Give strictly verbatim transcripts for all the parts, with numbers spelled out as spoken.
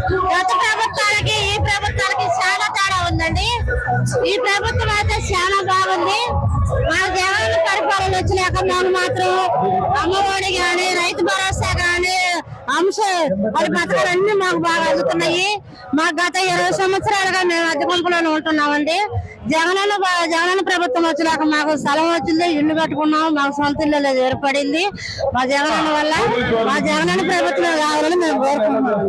గత ప్రభుత్వాలకి ఈ ప్రభుత్వాలకి చాలా తేడా ఉందండి. ఈ ప్రభుత్వం అయితే చాలా బాగుంది. మా జగన్ పరిపాలన వచ్చినాక మాకు మాత్రం అమ్మఒడి గాని రైతు భరోసా గాని అంశ అది పథకాలన్నీ మాకు బాగా అందుతున్నాయి. మాకు గత ఇరవై సంవత్సరాలుగా మేము అద్దె గుంపులోనే ఉంటున్నామండి. జగనన్న జగనన్న ప్రభుత్వం వచ్చినాక మాకు స్థలం వచ్చింది, ఇల్లు కట్టుకున్నాము, మాకు సొంత ఇల్లు ఏర్పడింది. మా జగనన్న వల్ల మా జగనన్న ప్రభుత్వం కావాలని మేము కోరుకుంటున్నాం.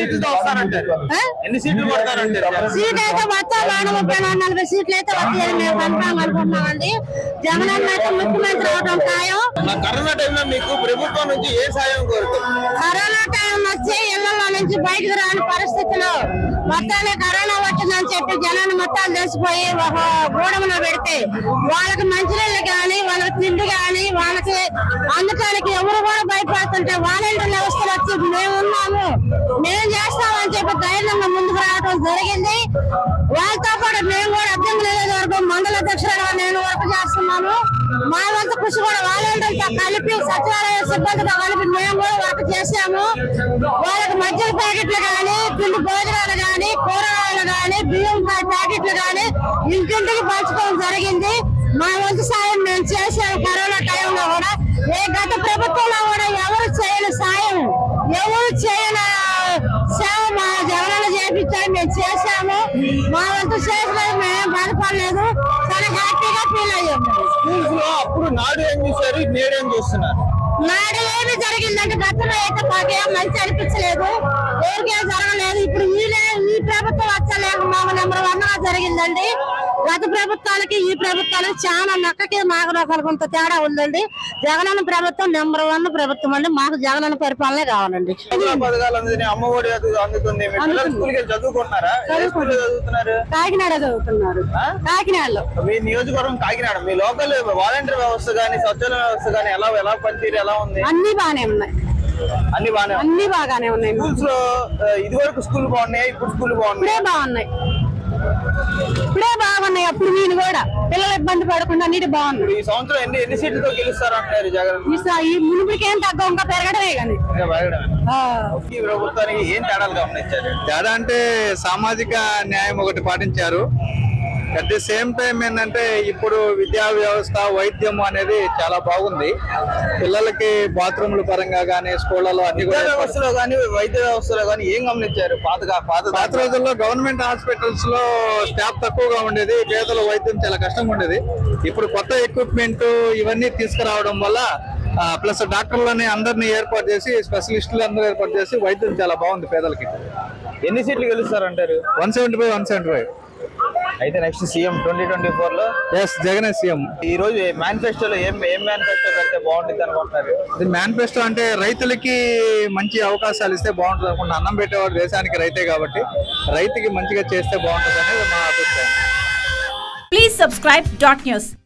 సీట్ అయితే మొత్తం నాలుగు ముప్పై నాలుగు నలభై సీట్లు అయితే వస్తాయని మేము కన్ఫామ్ అనుకుంటున్నామండి. జగనన్న అయితే ముఖ్యమంత్రి అవడం ఖాయం. కరోనా టైంలో మీకు ప్రభుత్వం నుంచి ఏ సాయం కోరుతుంది? కరోనా టైం వచ్చి ఇళ్లలో నుంచి బయటకు రాని పరిస్థితిలో మొత్తాన్ని కరోనా వచ్చిందని చెప్పి జనాన్ని మొత్తాలు తెలిసిపోయి ఒక గూడెంలో పెడితే వాళ్ళకి మంచినీళ్ళు కానీ వాళ్ళకి తిండి కానీ వాళ్ళకి అందుకానికి ఎవరు కూడా భయపడుతుంటే వాలంటీర్ వ్యవస్థలు వచ్చి మేము ఉన్నాము మేము చేస్తామని చెప్పి ధైర్యంగా ముందుకు రావడం జరిగింది. వాళ్ళతో పాటు మేము కూడా అర్థం లేదు వరకు మండల అధ్యక్షులుగా నేను వర్క్ చేస్తున్నాను. మా వంతు కృషి కూడా వాలంటీర్లతో కలిపి సచివాలయ సిబ్బందితో కలిపి మేము కూడా వర్క్ చేసాము. వాళ్ళకి మద్యం ప్యాకెట్లు కానీ పిండి భోజనాలు కానీ కూరగాయలు కానీ బియ్యం ప్యాకెట్లు కానీ ఇంటింటికి పంచుకోవడం జరిగింది. మా వంతు సాయం మేము చేసాము. కరోనా టైంలో కూడా ఏ గత ప్రభుత్వంలో కూడా ఎవరు చేయని సాయం ఎవరు చేయని సేవ మా జగనన్న చేపించాలి మేము చేసాము. మా వంతు చేసిన మేము బాధపడలేదు, చాలా హ్యాపీగా ఫీల్ అయ్యాము. అప్పుడు నాడు ఏం చూసారు, నేడు ఏం చూస్తున్నారు? నాడు ఏమి జరిగిందంటే గతంలో అయితే మాకేం మంచి అనిపించలేదు, ఎవరికేం జరగలేదు. ఇప్పుడు వీళ్ళే ఈ ప్రభుత్వం వచ్చలేక మాకు నెంబర్ వన్ గా జరిగిందండి. గత ప్రభుత్వాలకి ఈ ప్రభుత్వాలకి చాలా నక్కకి మాకు రకాల కొంత తేడా ఉందండి. జగనన్న ప్రభుత్వం నెంబర్ వన్ ప్రభుత్వం అండి. మాకు జగనన్న పరిపాలనే కావాలండి. అమ్మఒడి అందుతుంది. చదువుకుంటున్నారా? చదువుతున్నారు కాకినాడ చదువుతున్నారు. కాకినాడలో మీ నియోజకవర్గం కాకినాడ. మీ లోకల్ వాలంటీర్ వ్యవస్థ గానీ సచివాలయ వ్యవస్థ గానీ ఎలా ఎలా పనితీరు ఎలా ఉంది? అన్ని బాగానే ఉన్నాయి. అన్ని బాగానే అన్ని బాగానే ఉన్నాయి. స్కూల్స్ లో ఇది వరకు స్కూల్ బాగున్నాయి, ఇప్పుడు స్కూల్ బాగున్నాయి. ఇప్పుడే బాగున్నాయి ఇప్పుడే బాగున్నాయి అప్పుడు నేను కూడా పిల్లలు ఇబ్బంది పడకుండా అన్నిటి బాగున్నాయి. ఈ సంవత్సరం ఎన్ని ఎన్ని సీట్లతో గెలుస్తారు అంటున్నారు జగన్? ఈ మునుపుడికేం తగ్గ ఇంకా పెరగడమే కానీ ఈ ప్రభుత్వానికి ఏం తేడాలు గమనించారు? తేడా అంటే సామాజిక న్యాయం ఒకటి పాటించారు. అట్ ది సేమ్ టైం ఏంటంటే ఇప్పుడు విద్యా వ్యవస్థ వైద్యం అనేది చాలా బాగుంది. పిల్లలకి బాత్రూమ్ల పరంగా కానీ స్కూళ్లలో అన్ని వ్యవస్థలో కానీ వైద్య వ్యవస్థలో కానీ ఏం గమనించారు? పాత పాత పాత రోజుల్లో గవర్నమెంట్ హాస్పిటల్స్ లో స్టాఫ్ తక్కువగా ఉండేది, పేదల వైద్యం చాలా కష్టంగా ఉండేది. ఇప్పుడు కొత్త ఎక్విప్మెంట్ ఇవన్నీ తీసుకురావడం వల్ల ప్లస్ డాక్టర్లని అందరినీ ఏర్పాటు చేసి స్పెషలిస్టులు అందరూ ఏర్పాటు చేసి వైద్యం చాలా బాగుంది పేదలకి. ఎన్ని సీట్లు గెలుస్తారంటారు? One seventy five one seventy five అయితే next CM twenty twenty four లో ఎస్ జగనే సీఎం. ఈ రోజు మేనిఫెస్టోలో ఏం ఏం మేనిఫెస్టో పెడితే బాగుంటుంది అనుకుంటున్నారు? మేనిఫెస్టో అంటే రైతులకి మంచి అవకాశాలు ఇస్తే బాగుంటుంది అనుకుంటున్నా. అన్నం పెట్టేవాడు దేశానికి రైతే కాబట్టి రైతుకి మంచిగా చేస్తే బాగుంటుంది అనేది మా అభిప్రాయం. Please subscribe dot news.